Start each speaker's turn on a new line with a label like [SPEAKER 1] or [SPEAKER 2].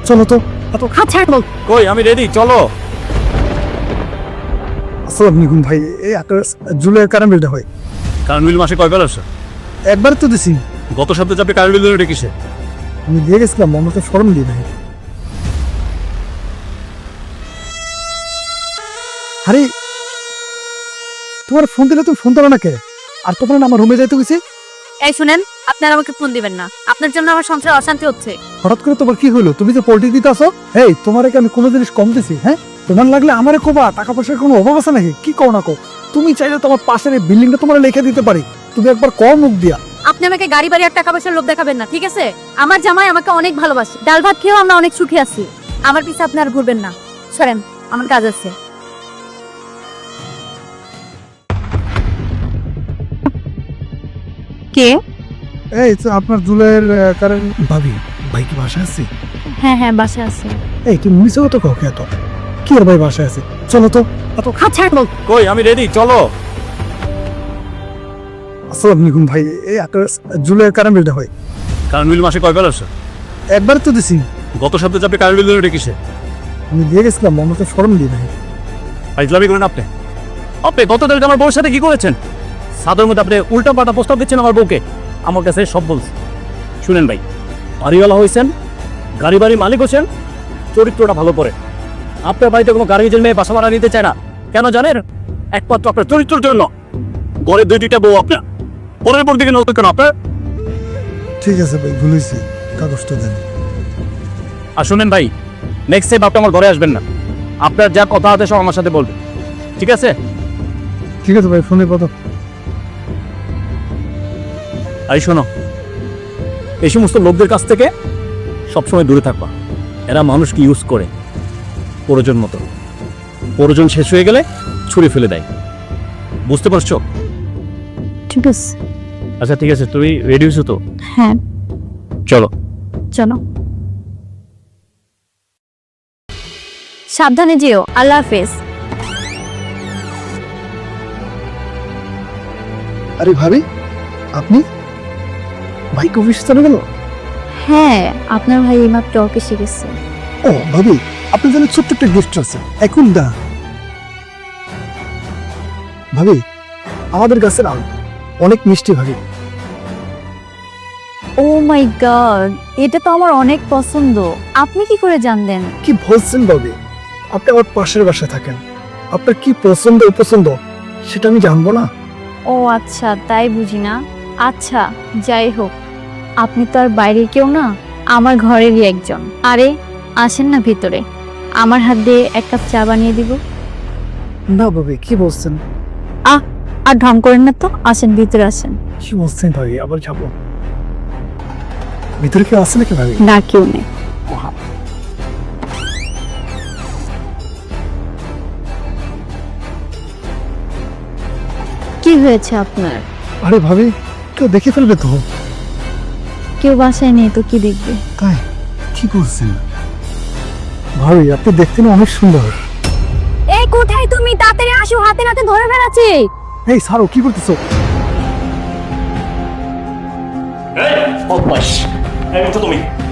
[SPEAKER 1] চলো তো।
[SPEAKER 2] এত ছাড় বল।
[SPEAKER 3] কই আমি রেডি, চলো।
[SPEAKER 1] আসসালামু আলাইকুম ভাই, এই জুলাই কারেন্ট বিলটা হয়
[SPEAKER 3] কারেন্ট বিল মাসে কয়বার আসে?
[SPEAKER 1] একবার তো দিছি।
[SPEAKER 3] গত সপ্তাহে আপনি কারেন্ট বিল দিলেন কিসে?
[SPEAKER 1] আমি দিয়ে গেছিলাম, মনে তো শরম দিই ভাই। আরে তোমার ফোন দিলে তুমি ফোন ধরো না কে? আর তোমার আমার রুমে যাইতে গেছি।
[SPEAKER 2] এই শুনেন, আপনারা আমাকে ফোন দিবেন না, আপনার জন্য আমার সংসারে অশান্তি হচ্ছে।
[SPEAKER 1] হঠাৎ করে তোমার কি হলো? তুমি যে পোল্ট্রি দিতে আসো, এই তোমার কি আমি কোনো জিনিস কম দিছি? হ্যাঁ, তোমার লাগলে আমারে কোবা, টাকা পয়সার কোনো অভাব আছে নাকি? কি কও না কো, তুমি চাইলে তোমার পাশের এই বিল্ডিংটা তোমার লিখে দিতে পারি, তুমি একবার কম মুখ দিয়া।
[SPEAKER 2] আপনি আমাকে গাড়ি বাড়ি আর টাকা পয়সার লোভ দেখাবেন না, ঠিক আছে? আমার জামাই আমাকে অনেক ভালোবাসে, ডাল ভাত খেয়েও আমরা অনেক সুখী আছি। আমার পিছে আপনি আর ঘুরবেন না, সরেন, আমার কাজ আছে। কে?
[SPEAKER 1] এই তো আপনার জুলাইয়ের কারেন্ট ভাবি। ভাই কি বাসায় আছে?
[SPEAKER 2] হ্যাঁ হ্যাঁ, বাসায় আছে।
[SPEAKER 1] এই তুমি মিছে তো কাউ এত কি আর ভাই বাসায় আছে, চলো তো।
[SPEAKER 2] এত ছাড় বল।
[SPEAKER 3] কই আমি রেডি, চলো।
[SPEAKER 1] আসসালামু আলাইকুম ভাই, এই জুলাইয়ের কারেন্ট বিলটা হয়
[SPEAKER 3] কারেন্ট বিল মাসে কয়বার আসে?
[SPEAKER 1] একবার তো দিছি।
[SPEAKER 3] গত সপ্তাহে আপনি কারেন্ট বিল দিলেন কিসে?
[SPEAKER 1] আমি দিয়ে গেছিলাম, মনে তো শরম দিই ভাই।
[SPEAKER 3] ইসলামী করেন আপনি। আপনি গত তারিখে আমার বউর সাথে কি করেছেন? সাদের মধ্যে আপনি উল্টা পাল্টা প্রস্তাব দিচ্ছেন আমার বউকে। আমার কাছে সব বলছে। শুনেন ভাই, বাড়িওয়ালা হয়েছেন, গাড়ি বাড়ি মালিক হয়েছেন, চরিত্রটা ভালো করে। আপনার বাড়িতে কোনো গার্জেন মেয়ে বাসা ভাড়া নিতে চায় না, কেন জানেন? একমাত্র আপনার চরিত্রের জন্য। ঘরে দুইটা বউ আপনার, পরের পর দিকে নজর কেন আপনার?
[SPEAKER 1] ঠিক আছে ভাই, ভুলেছি, কাগজটা দেন।
[SPEAKER 3] আর শুনেন ভাই, নেক্সট টাইম আপনি আমার ঘরে আসবেন না। আপনার যা কথা আছে সব আমার সাথে বলবেন, ঠিক আছে?
[SPEAKER 1] ঠিক আছে ভাই, ফোনে কথা।
[SPEAKER 3] আর শোনো, এই সমস্ত লোকদের কাছ থেকে সবসময় দূরে থাকবা। এরা মানুষকে ইউজ করে প্রয়োজন মতো, প্রয়োজন শেষ হয়ে গেলে ছুঁড়ে ফেলে দেয়। বুঝতে পারছো?
[SPEAKER 2] ঠিক আছে।
[SPEAKER 3] আচ্ছা ঠিক আছে, তুমি রেডি হয়েছো তো?
[SPEAKER 2] হ্যাঁ,
[SPEAKER 3] চলো।
[SPEAKER 2] চলো। সাবধানে যেও, আল্লাহ হাফেজ।
[SPEAKER 1] আরে ভাবি, আপনি? ভাই কি অফিসে চলে গেল?
[SPEAKER 2] হ্যাঁ, আপনার ভাই এইমাত্র অফিসে গেছে।
[SPEAKER 1] ও ভাবি, আপনি জানেন ছোট্ট একটা গিফট আছে, এখন দা। ভাবি, আমাদের গাছের আম অনেক মিষ্টি ভাবি।
[SPEAKER 2] ও মাই গড, এটা তো আমার অনেক পছন্দ। আপনি কি করে জানলেন?
[SPEAKER 1] কি বলছেন ভাবি? আপনি আমার পাশের বাসায় থাকেন, আপনার কি পছন্দ অপছন্দ সেটা আমি জানবো না?
[SPEAKER 2] ও আচ্ছা, তাই বুঝি না। আচ্ছা, যাই হোক, আপনি তো আর বাইরের কেউ না, আমার ঘরেরই একজন। আরে আসেন না ভিতরে, আমার হাত দিয়ে এক কাপ চা বানিয়ে দিব।
[SPEAKER 1] না ভাবি, কি বলছেন?
[SPEAKER 2] আর ঢং করেন না তো, আসেন ভিতরে আসেন।
[SPEAKER 1] কি বলছেন ভাবি? আবার যাবো ভিতরে? কেউ আছে নাকি ভাবি?
[SPEAKER 2] না, কেউ নেই। কি হয়েছে আপনার?
[SPEAKER 1] আরে ভাবি, কেউ দেখে ফেলবে তো।
[SPEAKER 2] কেউ বাসায় নেই তো কি দেখবে?
[SPEAKER 1] তাই? কি বলছেন ভাবি? আপনি দেখতে না অনেক সুন্দর।
[SPEAKER 2] এই কোথায় তুমি? তাড়াতাড়ি আসো, হাতে নাতে ধরে ফেলাচ্ছি।
[SPEAKER 1] এই সারো, কি করতেছো?
[SPEAKER 3] এই বদমাশ, এই উঠো তুমি।